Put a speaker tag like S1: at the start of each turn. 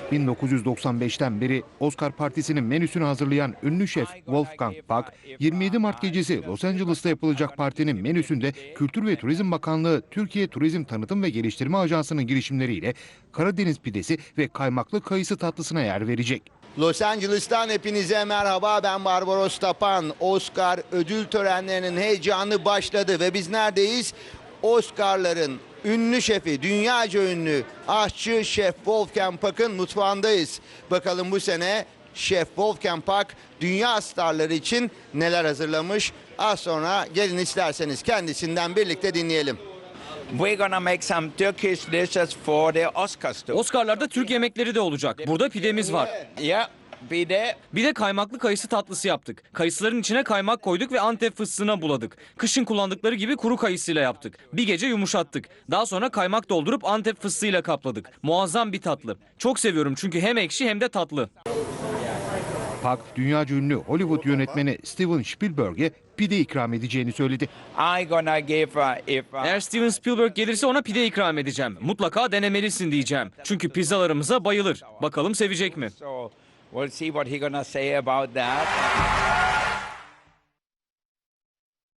S1: 1995'ten beri Oscar Partisi'nin menüsünü hazırlayan ünlü şef Wolfgang Puck, 27 Mart gecesi Los Angeles'ta yapılacak partinin menüsünde Kültür ve Turizm Bakanlığı, Türkiye Turizm Tanıtım ve Geliştirme Ajansı'nın girişimleriyle Karadeniz pidesi ve kaymaklı kayısı tatlısına yer verecek.
S2: Los Angeles'tan hepinize merhaba, ben Barbaros Tapan. Oscar ödül törenlerinin heyecanı başladı ve biz neredeyiz? Oscar'ların ünlü şefi, dünyaca ünlü aşçı Şef Wolfgang Puck'ın mutfağındayız. Bakalım bu sene Şef Wolfgang Puck dünya starları için neler hazırlamış? Az sonra gelin isterseniz kendisinden birlikte dinleyelim.
S3: We're gonna make some Turkish dishes for the Oscars too.
S4: Oscar'larda Türk yemekleri de olacak. Burada pidemiz var.
S3: Yeah,
S4: Bir de kaymaklı kayısı tatlısı yaptık. Kayısıların içine kaymak koyduk ve Antep fıstığına buladık. Kışın kullandıkları gibi kuru kayısıyla yaptık. Bir gece yumuşattık. Daha sonra kaymak doldurup Antep fıstığıyla kapladık. Muazzam bir tatlı. Çok seviyorum çünkü hem ekşi hem de tatlı.
S1: Puck, dünyaca ünlü Hollywood yönetmeni Steven Spielberg'e pide ikram edeceğini söyledi.
S3: I gonna give
S4: Eğer Steven Spielberg gelirse ona pide ikram edeceğim. Mutlaka denemelisin diyeceğim. Çünkü pizzalarımıza bayılır. Bakalım sevecek mi?
S3: so we'll see what he gonna say about that.